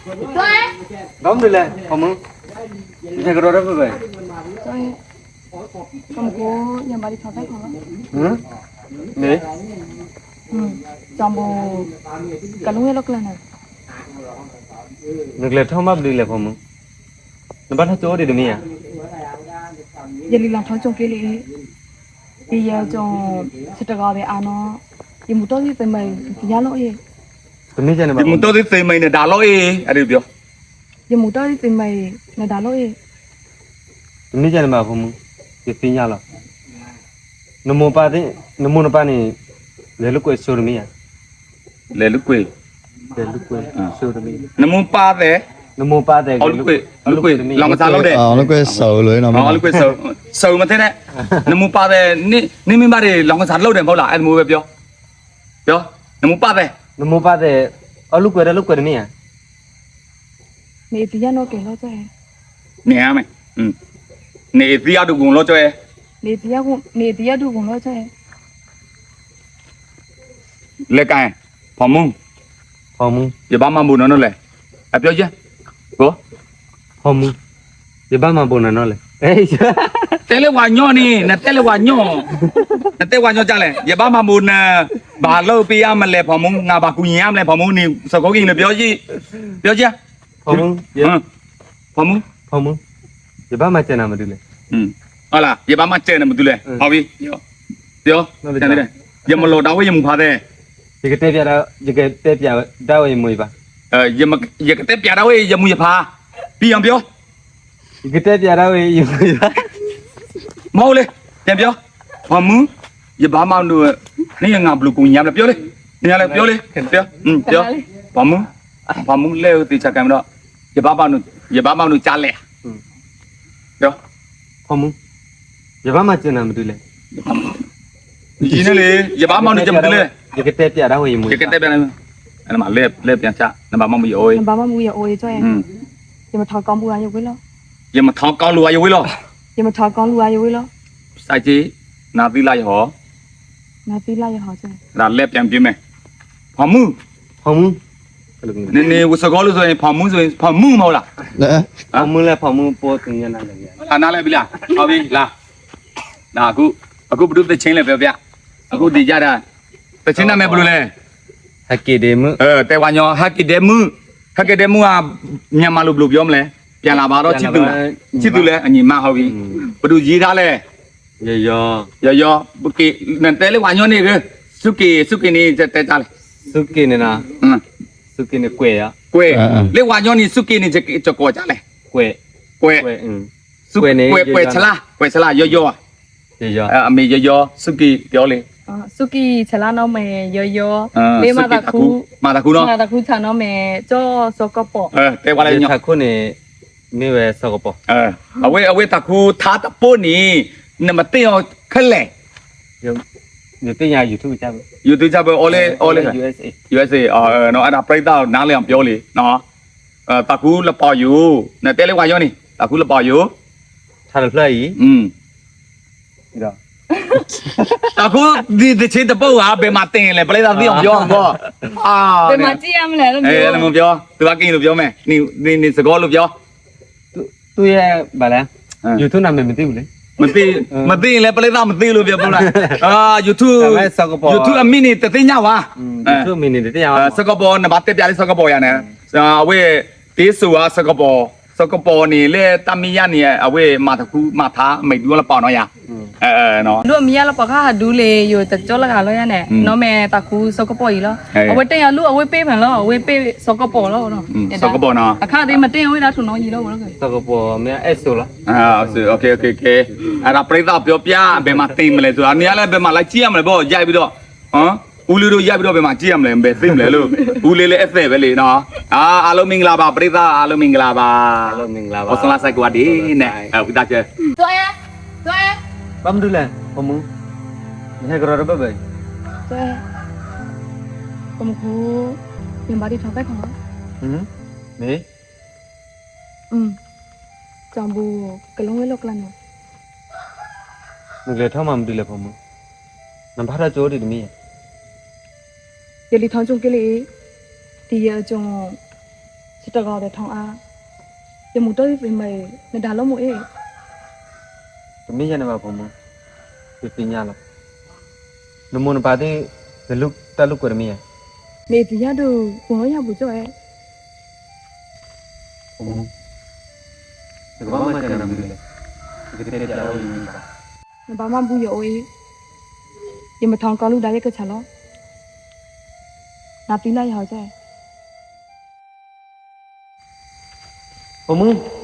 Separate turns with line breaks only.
Đóng đi lên, không muốn. Thế cái đó đó vậy.
Không có nhà bà đi thọ tay không?
Ừ. Nè.
Trong bộ cả lúc ấy lúc là này.
Nước lệ thao mập đi lên không muốn. Nó bắt hết chỗ đi được mi à?
Giờ đi làm thằng trong kia đi. Bây giờ trong sẽ trở về ăn nó. Giờ một tối thì mày thì giá lỗi gì?
Tụi mi chơi này mà.
Một tôi thì mày này đã lỗi à được chưa?
Giờ một tối thì mày là đã lỗi gì?
Tụi mi chơi này mà không muốn. Cái tin nhau là. Nó mua ba thế, nó mua nó ba này. Lấy lúc quay show được mi à?
Lấy lúc quê.
Lấy lúc quay show được mi.
Nó muốn ba thế.
Nó mua ba thế.
Lúc quê, lòng cái sao lâu đấy.
Lúc quê sầu lưới nó.
Lúc quê sầu mà thế này. Nó muốn ba thế, ní mình ba thế lòng cái sao lâu đấy bao là anh mua về chưa? Chưa? Nó muốn ba thế.
Nó mua ba thế. Lúc quay được mi à?
Mày thì giá nó kể lo cho em.
Nè mày. Nè thì giá được cùng lo cho em.
Nè thì giá được cùng lo cho em.
Lấy cái phòng mông.
Phòng mông.
Giờ ba mà buồn nó lấy. À biết chứ? Có.
Phòng mông. Giờ ba mà buồn nó lấy. Ê.
Té lấy quả nhỏ nè, nè té lấy quả nhỏ. Nè té quả nhỏ chả lấy. Giờ ba mà buồn bà lâu pia mà lấy phòng mông, ngà bà cùi nhám lấy phòng mông nè, sao có gì nữa biết chứ? Biết chứ?
Phòng mông.
Phòng mông.
Phòng mông. Giờ ba mà chơi nào mà đi lên.
Là, giờ ba mà chơi nào mà đi lên. Học đi. Được. Chơi đi đây. Giờ mà lột đau với mùng phá thế.
Giờ cái tép đau ấy mùi ba.
Giờ cái tép giả đau ấy giờ mùi phá. Đi không biết?
Cái tép đau ấy mùi ba.
Mau lên, xem biết? Phòng mông. Giờ ba mà nữa. Nè ngà blu cùng nhám là biết đi. Nè là biết đi. Biết. Biết. Phòng mông leo thì chắc cái đó. Giờ ba mà nữa trả lẹ. Biết.
Phòng mông. Giờ ba mà chơi nào mà đi lên.
Gì nữa đi, giờ ba mau đi chậm đi lên.
Giờ cái tép giả đau ấy mùi.
Cái tép này, anh mà lép tiền cha, anh ba mau bị ôi.
Bà mà mua giờ ôi cho em. Giờ mà thọ con mua nhiều quý lo.
Giờ mà thọ con lùa vô lo.
Giờ mà thọ con mua nhiều quý lo.
Sai chi, nào đi lại họ.
Nào tí lại cho họ cho em.
Là lép tiền kiếm mày. Phòng mông.
Phòng mông.
Nè, sao có lúc rồi phòng mông mau là.
Phòng mông là phòng mông po từng nhà nào vậy.
À nào lại bị là, ao đi là. Nào aku berdua tu ceng le bia. Aku di jada. Tu ceng nama berdua le.
Haki demo.
Taiwannya haki demo ah nyamalu belum jom le. Pian lah baru citu le, ani mah hawi. Berdua jira le. Ya, bukti nanti le wanyo ni ke. Suki ni teh le.
Suki ni na. Suki ni kue ya.
Kue. Le wanyo ni suki ni cokok cak le.
Kue.
Kue ni. Kue celah yo. Ami yo suki kiểu li.
Suki chả là nó mẹ yo. Lấy mà ta khu
nó.
Mà ta khu chả nó mẹ cho sokopo.
Thế qua đây nhỉ.
Ta khu này mi về sokopo.
Awe ta khu thả ta po ni. Nằm tiêu khơi lẻ.
Nhiều cái nhà YouTube cha.
YouTube cha ole. USA. Nó ada play tao nang liam biểu li. Nó. Ta khu là bao nhiêu. Nè tele qua yo ni. Ta khu là bao nhiêu.
Thà là play. Đó.
Ta khu đi chơi tập bao à, bề mặt tiền lại play tao đi không vô không?
Bề mặt chi em lại
là không vô. Tôi bắt kinh được vô mẹ. Ni sẽ có được vô.
Tôi bà là YouTube nào mình tiêu đấy.
Mình tin là play tao mình tin luôn việc đâu này. YouTube mini tự tin nhau à?
YouTube mini tự tin nhau.
Singapore nè bắt tiếp ra đi Singapore ya nè. Awe tí số à Singapore ni le Tamiya ni awe mà thả mấy đứa là bảo nó ya. Nó.
Lúc mía là bảo khá đủ lệ rồi tập cho là cả rồi nè. Nó mẹ ta khu Singapore gì đó. Awe tên là lúc awe pay phần lo, awe pay Singapore lo nó.
Singapore nó.
Khá thì mà tên awe đã thủng nó gì đâu rồi.
Singapore mẹ Esso là.
Ok. Ada play tao biểu bia bề mặt tìm lại rồi. Anh là bề mặt lại chiêm lại bao dạy bây giờ. Uli do ya biro be ma chiam le be sim le lo uli le ese be le no alo mingla ba prita alo mingla ba osla sai kwa di ne kita chơi
Tôi
bấm đưa lên không muốn hay cái đó đó vậy
tôi không có tiền bà đi thằng cách không
nè
chồng bù cái lông ấy lộc lần
mình lấy thao mà mình đi lấy không muốn nằm phát ra chỗ đi mi
giờ đi thằng chung cái gì thì giờ chung tờ gò để thong a giờ một tới về mày nên đào lắm mũi
Kami jangan apa pun, pipinya lah. Namun pada taluk kermi ya.
mẹ thì nhá được cũng nói nhau buổi cho em
Sebab macam mana boleh? Kita tidak tahu ini.
nó bảo mang bùi rồi giờ mà thong con lúc đấy cái chả lo nạp tí này hỏi cho em
Kamu